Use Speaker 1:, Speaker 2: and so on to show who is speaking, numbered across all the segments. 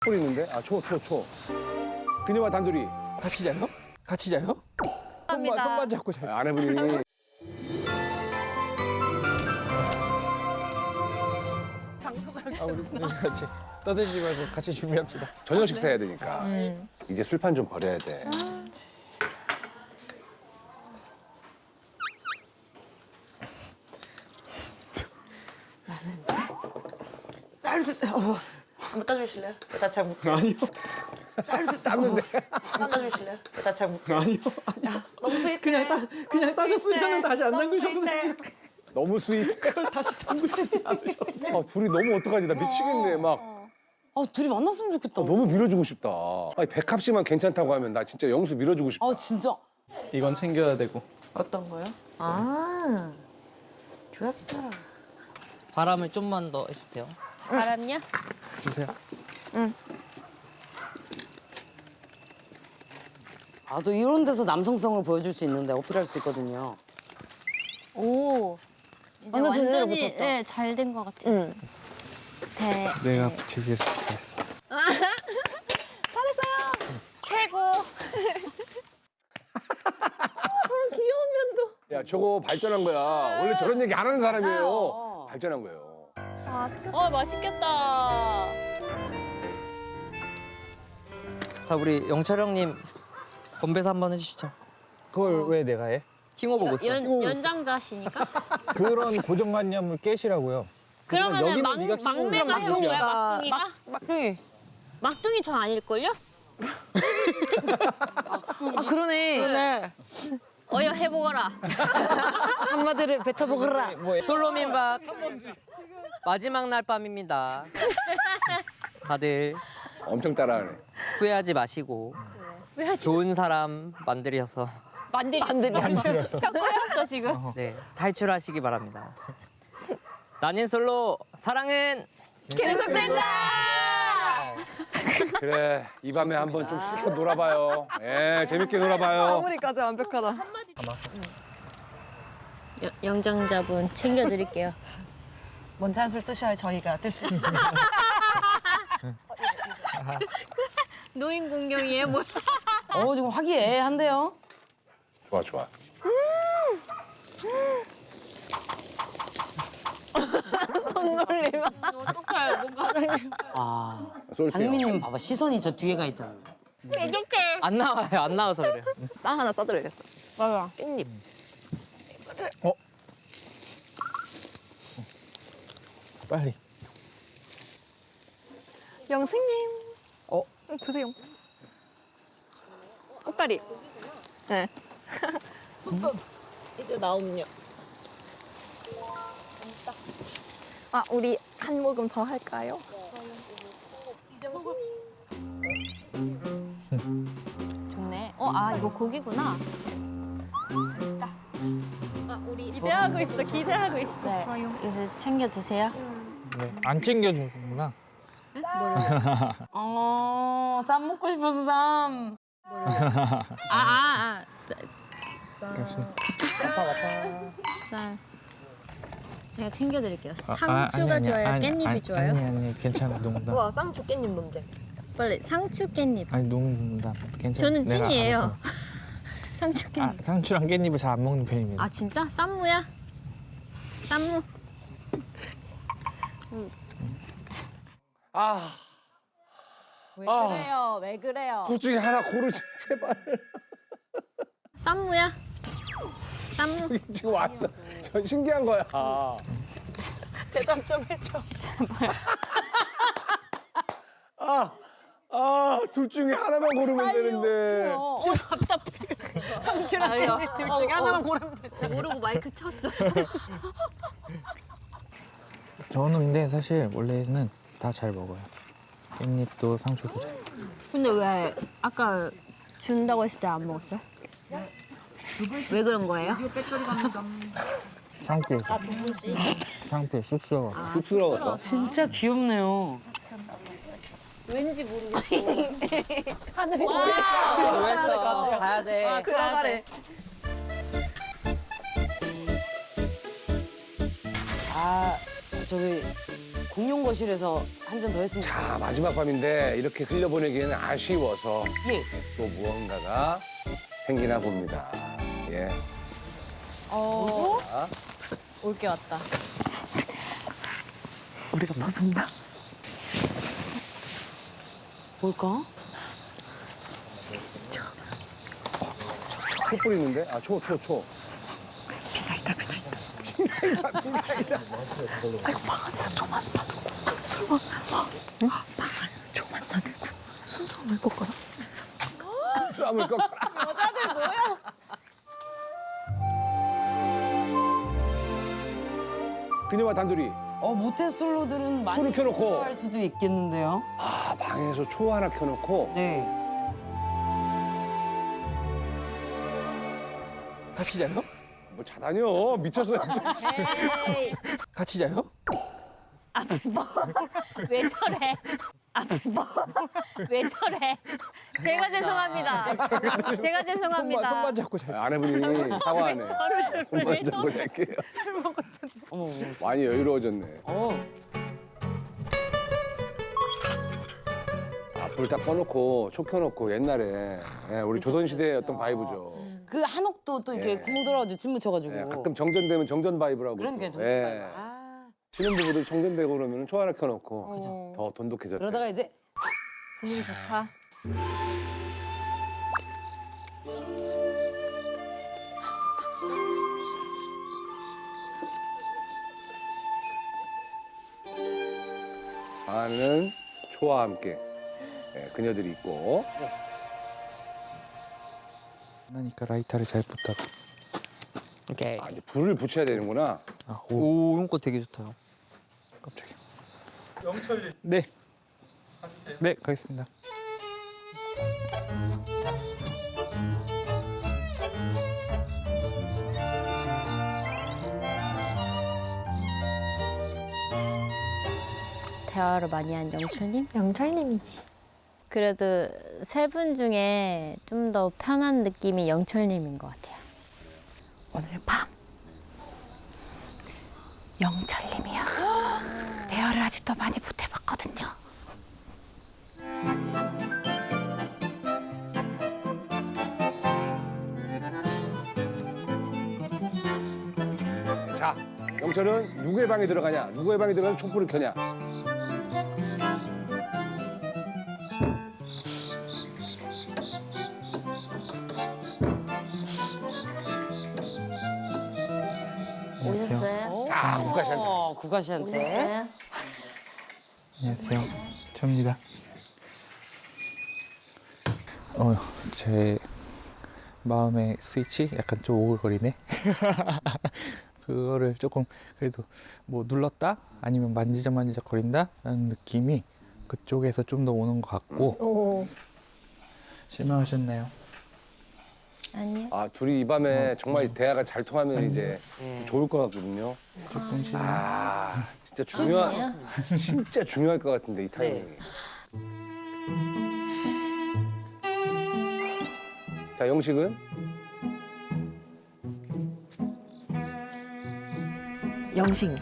Speaker 1: 초 있는데? 아, 초. 그녀와 단둘이.
Speaker 2: 같이 자요? 같이 자요? 손만 잡고 자요.
Speaker 1: 아내분이.
Speaker 2: 우리 같이 떠들지 말고 같이 준비합시다.
Speaker 1: 저녁 식사해야 되니까. 이제 술판 좀 버려야 돼.
Speaker 3: 한번 따주실래요? 나 잘 못.
Speaker 2: 아니요.
Speaker 1: 땄는데.
Speaker 3: 따주실래요? 나 잘 못.
Speaker 2: 아니요.
Speaker 3: 너무 스윗해.
Speaker 2: 그냥 따셨으면 다시 안 담그셔도 돼요.
Speaker 1: 너무 스윗.
Speaker 2: 그걸 다시 담그시지 않으셔도 돼요.
Speaker 1: 아, 둘이 너무 어떡하지? 나 미치겠네. 막.
Speaker 4: 아, 둘이 만났으면 좋겠다.
Speaker 1: 너무 밀어주고 싶다. 아니, 백합 씨만 괜찮다고 하면 나 진짜 영수 밀어주고 싶다.
Speaker 4: 아, 진짜.
Speaker 2: 이건 챙겨야 되고.
Speaker 3: 어떤 거요?
Speaker 4: 아, 좋았어.
Speaker 5: 바람을 좀만 더 해주세요.
Speaker 6: 바람요?
Speaker 2: 주세요.
Speaker 4: 아, 또 이런 데서 남성성을 보여줄 수 있는데 어필할 수 있거든요.
Speaker 6: 오. 이제
Speaker 4: 완전 제대로
Speaker 6: 완전히
Speaker 4: 붙었다.
Speaker 6: 네, 잘 된 것 같아요.
Speaker 4: 응.
Speaker 2: 내가 붙이기를 잘했어.
Speaker 6: 최고.
Speaker 1: 야, 저거 발전한 거야. 원래 저런 얘기 안 하는 사람이에요.
Speaker 4: 맞아요.
Speaker 1: 발전한 거예요.
Speaker 6: 맛있겠다.
Speaker 5: 자, 우리 영철 형님 건배사 한번 해주시죠.
Speaker 2: 그걸 왜 내가 해?
Speaker 5: 팅호 보고 있어.
Speaker 6: 연장자시니까?
Speaker 2: 그런 고정관념을 깨시라고요.
Speaker 6: 그러면은
Speaker 2: 여기는 네가 키고
Speaker 6: 막내가 해본 거야, 막둥이가?
Speaker 4: 막둥이.
Speaker 6: 막둥이 전 아닐걸요?
Speaker 4: 아, 그러네.
Speaker 6: 어여 해보거라.
Speaker 4: 한마디를 뱉어보거라.
Speaker 5: 솔로 민박 마지막 날 밤입니다. 다들
Speaker 1: 엄청 따라하네.
Speaker 5: 후회하지 마시고 좋은 사람 만들어서
Speaker 6: 만들었어. 꼬였어, 지금.
Speaker 5: 네, 탈출하시기 바랍니다. 나는 솔로 사랑은
Speaker 1: 그래, 이 밤에 한번 좀 실컷 놀아봐요. 예, 재밌게 놀아봐요.
Speaker 4: 마무리까지 완벽하다.
Speaker 6: 영장자분 챙겨드릴게요.
Speaker 4: 먼저 한술 뜨셔야 저희가 뜰 수 있어요.
Speaker 6: 노인 공경이에요, 뭐.
Speaker 4: 지금 화기애애한데요?
Speaker 1: 좋아.
Speaker 6: 어떡해, 뭔가.
Speaker 4: 아,
Speaker 1: 쏠게요.
Speaker 4: 장미님 봐봐. 시선이 저 뒤에 가 있잖아요.
Speaker 6: 어떡해.
Speaker 5: 안 나와요. 안 나와서 그래요.
Speaker 3: 쌈 하나 싸드려야겠어.
Speaker 6: 맞아.
Speaker 3: 깻잎.
Speaker 2: 빨리.
Speaker 3: 영생님. 드세요. 꽃다리. 네.
Speaker 6: 이제 나옴요.
Speaker 3: 아, 우리 한 모금 더 할까요?
Speaker 6: 좋네. 이거 고기구나. 우리
Speaker 3: 기대하고 있어. 기대하고 있어.
Speaker 6: 네, 이제 챙겨 드세요.
Speaker 2: 네. 안 챙겨주는구나.
Speaker 4: 쌈 먹고 싶어서 쌈.
Speaker 6: 자, 제가 챙겨드릴게요. 상추가 좋아요? 깻잎이 좋아요?
Speaker 2: 아니, 괜찮아. 농담.
Speaker 3: 와, 쌍추 깻잎 논쟁.
Speaker 6: 빨리 상추 깻잎.
Speaker 2: 아니, 농담. 괜찮아.
Speaker 6: 저는
Speaker 2: 내가
Speaker 6: 찐이에요.
Speaker 2: 알아서.
Speaker 6: 상추 깻잎.
Speaker 2: 상추랑 깻잎을 잘 안 먹는 편입니다.
Speaker 6: 아 진짜? 쌈무야? 쌈무.
Speaker 1: 아,
Speaker 3: 왜 그래요? 왜 그래요?
Speaker 1: 둘 중에 하나 고르지, 제발.
Speaker 6: 쌈무야? 쌈무.
Speaker 1: 지금 왔어. 전 신기한 거야.
Speaker 3: 대답 좀 해줘.
Speaker 1: 둘 중에 하나만 고르면 되는데.
Speaker 6: 좀 답답해.
Speaker 3: 상추랑 깻잎 둘 중에 하나만 고르면 돼.
Speaker 6: 모르고 마이크 쳤어.
Speaker 2: 저는 근데 사실 원래는 다 잘 먹어요. 깻잎도 상추도 잘.
Speaker 6: 근데 왜 아까 준다고 했을 때 안 먹었어요? 왜 그런 거예요?
Speaker 2: 창피해서. 창피해 쑥스러워.
Speaker 1: 쑥스러워서.
Speaker 4: 진짜 귀엽네요.
Speaker 6: 왠지 모르겠어.
Speaker 3: 하늘이
Speaker 5: 뭐했어? 가야 돼.
Speaker 3: 들어가래.
Speaker 4: 아, 저기 공용 거실에서 한 잔 더 했으면 좋겠어요.
Speaker 1: 자, 마지막 밤인데 이렇게 흘려보내기에는 아쉬워서
Speaker 4: 예.
Speaker 1: 또 무언가가 생기나 봅니다. 예.
Speaker 3: 뭐죠?
Speaker 1: 자,
Speaker 3: 올게 왔다.
Speaker 2: 우리가 퍼붓나?
Speaker 4: 뭘까?
Speaker 1: 초 뿌리는데? 아, 초.
Speaker 2: 비나이다 비나이다.
Speaker 3: 아이고 방 안에서 좀만 놔두고. 설마 방 안에 좀만 놔두고. 순서 올 거라.
Speaker 1: 수암을 꺾어라.
Speaker 3: 여자들 뭐야?
Speaker 1: 그녀와 단둘이.
Speaker 4: 모태솔로들은 많이
Speaker 1: 초를 켜놓고.
Speaker 4: 할 수도 있겠는데요.
Speaker 1: 아, 방에서 초 하나 켜놓고.
Speaker 4: 네.
Speaker 2: 같이 자요?
Speaker 1: 뭐 자다녀. 미쳤어.
Speaker 3: 에이.
Speaker 2: 같이 자요?
Speaker 6: 왜 저래? 왜 저래? 제가 죄송합니다. 제가 죄송합니다.
Speaker 2: 손만 잡고 자요.
Speaker 1: 아내분이 사과하네.
Speaker 6: 저를
Speaker 1: 손만
Speaker 6: 왜
Speaker 1: 잡고
Speaker 6: 저래?
Speaker 1: 잘게요.
Speaker 4: 어머, 어머.
Speaker 1: 많이 여유로워졌네. 아, 불 딱 꺼놓고 초 켜놓고 옛날에 우리 조선시대의 어떤 바이브죠.
Speaker 4: 그 한옥도 또 이렇게
Speaker 1: 예.
Speaker 4: 구멍 들어가지고 침 묻혀가지고.
Speaker 1: 예, 가끔 정전되면 정전 바이브라고.
Speaker 4: 그러니까
Speaker 1: 또.
Speaker 4: 정말.
Speaker 1: 예.
Speaker 4: 아.
Speaker 1: 신혼부부들 정전되고 그러면 초 하나 켜놓고
Speaker 3: 그죠.
Speaker 1: 더 돈독해졌대.
Speaker 4: 그러다가 이제
Speaker 6: 분위기 좋다.
Speaker 1: 안에는 초와 함께 그녀들이 있고.
Speaker 2: 그러니까 라이터를 잘 붙다.
Speaker 5: 오케이.
Speaker 1: 아, 이제 불을 붙여야 되는구나.
Speaker 2: 아, 오,
Speaker 5: 오, 이런 거 되게 좋다.
Speaker 2: 깜짝이야. 영철님. 네. 네, 가겠습니다.
Speaker 6: 대화를 많이 한 영철님?
Speaker 3: 영철님이지.
Speaker 6: 그래도 세 분 중에 좀 더 편한 느낌이 영철님인 것 같아요.
Speaker 3: 오늘 밤 영철님이요. 대화를 아직도 많이 못 해봤거든요.
Speaker 1: 자, 영철은 누구의 방에 들어가냐? 누구의 방에 들어가서 촛불을 켜냐?
Speaker 6: 오셨어요?
Speaker 1: 아, 국가시한테.
Speaker 4: 국가 씨한테.
Speaker 6: 오셨어요?
Speaker 2: 안녕하세요. 저입니다. 제 마음의 스위치 약간 좀 오글거리네. 그거를 조금 그래도 뭐 눌렀다 아니면 만지작 거린다 라는 느낌이 그쪽에서 좀 더 오는 것 같고.
Speaker 6: 오.
Speaker 2: 실망하셨나요?
Speaker 6: 아니요.
Speaker 1: 아, 둘이 이 밤에 정말 대화가 잘 통하면 이제
Speaker 4: 네.
Speaker 1: 좋을 것 같거든요.
Speaker 2: 조금 실망.
Speaker 1: 아, 진짜
Speaker 6: 무슨이에요?
Speaker 1: 진짜 중요할 것 같은데 이 타이밍이. 자, 영식은
Speaker 3: 영식.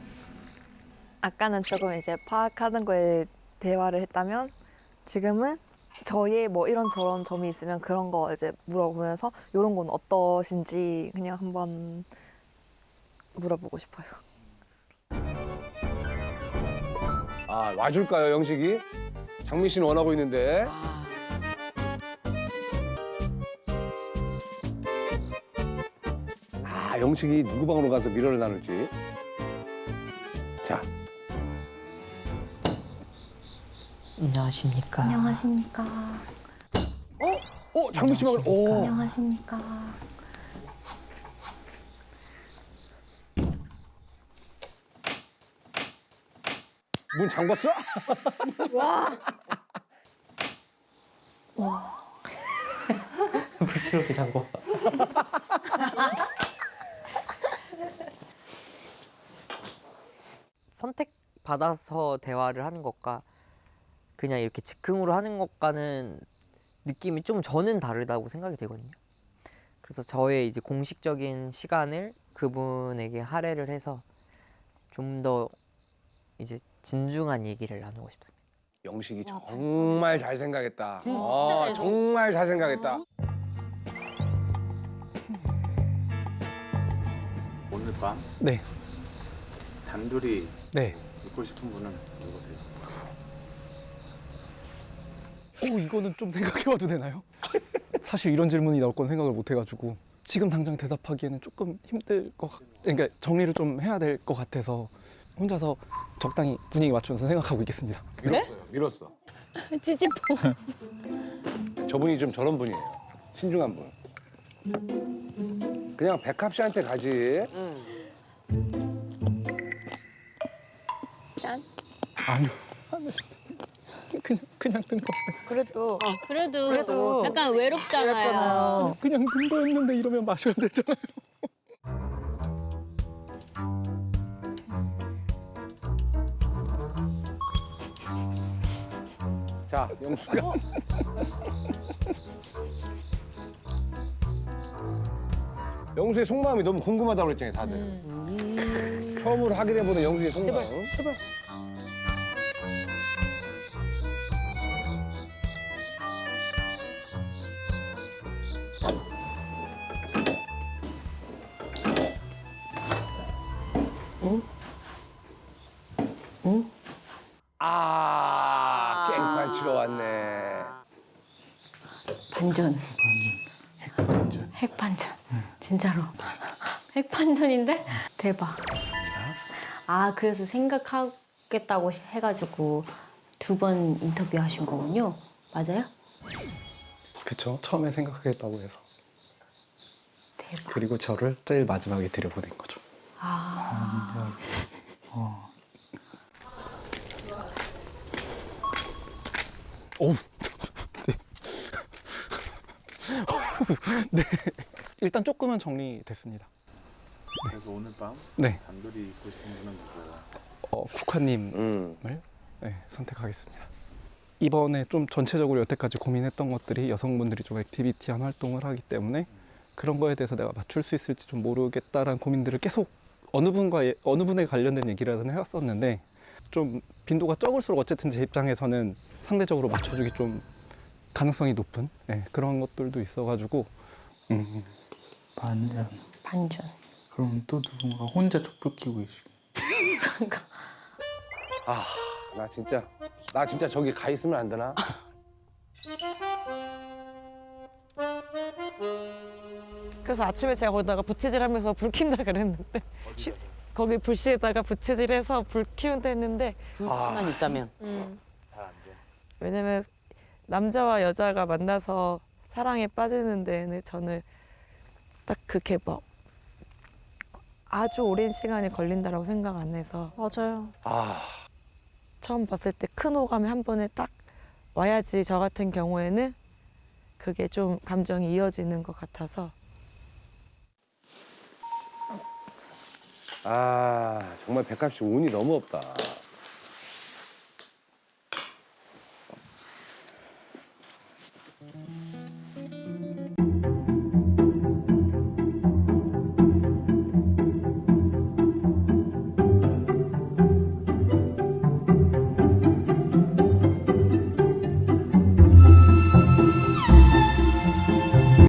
Speaker 3: 아까는 조금 이제 파악하는 거에 대화를 했다면 지금은 저의 뭐 이런저런 점이 있으면 그런 거 이제 물어보면서 이런 건 어떠신지 그냥 한번 물어보고 싶어요.
Speaker 1: 아, 와줄까요, 영식이? 장미 씨는 원하고 있는데.
Speaker 4: 아,
Speaker 1: 아, 영식이 누구 방으로 가서 미러를 나눌지. 자,
Speaker 5: 안녕하십니까.
Speaker 3: 안녕하십니까.
Speaker 1: 장미 씨 방을. 오.
Speaker 3: 안녕하십니까.
Speaker 1: 문 잠궜어?
Speaker 5: 불트럭이 잠궈. 선택받아서 대화를 하는 것과 그냥 이렇게 즉흥으로 하는 것과는 느낌이 좀 저는 다르다고 생각이 되거든요. 그래서 저의 이제 공식적인 시간을 그분에게 할애를 해서 좀 더 이제 진중한 얘기를 나누고 싶습니다.
Speaker 1: 영식이 정말 잘 생각했다.
Speaker 4: 진짜 잘
Speaker 1: 정말 잘 생각했다.
Speaker 7: 오늘 밤
Speaker 2: 네,
Speaker 7: 단둘이
Speaker 2: 네.
Speaker 7: 있고 싶은 분은 누구세요?
Speaker 2: 이거는 좀 생각해봐도 되나요? 사실 이런 질문이 나올 건 생각을 못 해가지고 지금 당장 대답하기에는 조금 힘들 것 그러니까 정리를 좀 해야 될 것 같아서 혼자서 적당히 분위기 맞추면서 생각하고 있겠습니다.
Speaker 1: 밀었어요. 밀었어.
Speaker 6: 찌찌뽕.
Speaker 1: 저분이 좀 저런 분이에요. 신중한 분. 그냥 백합 씨한테 가지.
Speaker 3: 짠.
Speaker 2: 아니요. 그냥 든 거.
Speaker 4: 그래도
Speaker 6: 그래도 약간 외롭잖아요.
Speaker 2: 그냥 든 거였는데 이러면 마셔야 되잖아요.
Speaker 1: 자, 영수가. 영수의 속마음이 너무 궁금하다고 그랬잖아요, 다들. 처음으로 하게 돼보는 영수의 속마음.
Speaker 4: 제발.
Speaker 1: 깽판 치러 왔네.
Speaker 6: 반전. 핵반전. 진짜로. 핵반전인데? 대박. 아, 그래서 생각하겠다고 해가지고 2번 인터뷰 하신 거군요. 맞아요?
Speaker 2: 그쵸. 처음에 생각하겠다고 해서.
Speaker 6: 대박.
Speaker 2: 그리고 저를 제일 마지막에 들여보낸 거죠.
Speaker 6: 아.
Speaker 2: 어우. 네. 일단 조금은 정리됐습니다.
Speaker 7: 그래서 오늘 밤
Speaker 2: 네.
Speaker 7: 단둘이 있고 싶은 분은 누구예요?
Speaker 2: 국화님을 네, 선택하겠습니다. 이번에 좀 전체적으로 여태까지 고민했던 것들이 여성분들이 좀 액티비티한 활동을 하기 때문에 그런 거에 대해서 내가 맞출 수 있을지 좀 모르겠다라는 고민들을 계속 어느 분에 관련된 얘기라는 해왔었는데 좀 빈도가 적을수록 어쨌든 제 입장에서는 상대적으로 맞춰주기 좀 가능성이 높은 네, 그런 것들도 있어가지고
Speaker 8: 반전.
Speaker 6: 반전.
Speaker 8: 그럼 또 누군가 혼자 촛불 켜고 계시고.
Speaker 6: 그러니까.
Speaker 1: 나 진짜 저기 가 있으면 안 되나?
Speaker 9: 그래서 아침에 제가 거기다가 부채질하면서 불 킨다 그랬는데 거기 불씨에다가 부채질해서 불 키운다 했는데
Speaker 4: 불씨만 있다면.
Speaker 7: 다 안 돼.
Speaker 9: 왜냐면 남자와 여자가 만나서 사랑에 빠지는 데는 저는 딱 그렇게 뭐 아주 오랜 시간이 걸린다라고 생각 안 해서
Speaker 3: 맞아요.
Speaker 9: 처음 봤을 때 큰 호감이 한 번에 딱 와야지 저 같은 경우에는 그게 좀 감정이 이어지는 것 같아서
Speaker 1: 정말 백합 씨 운이 너무 없다.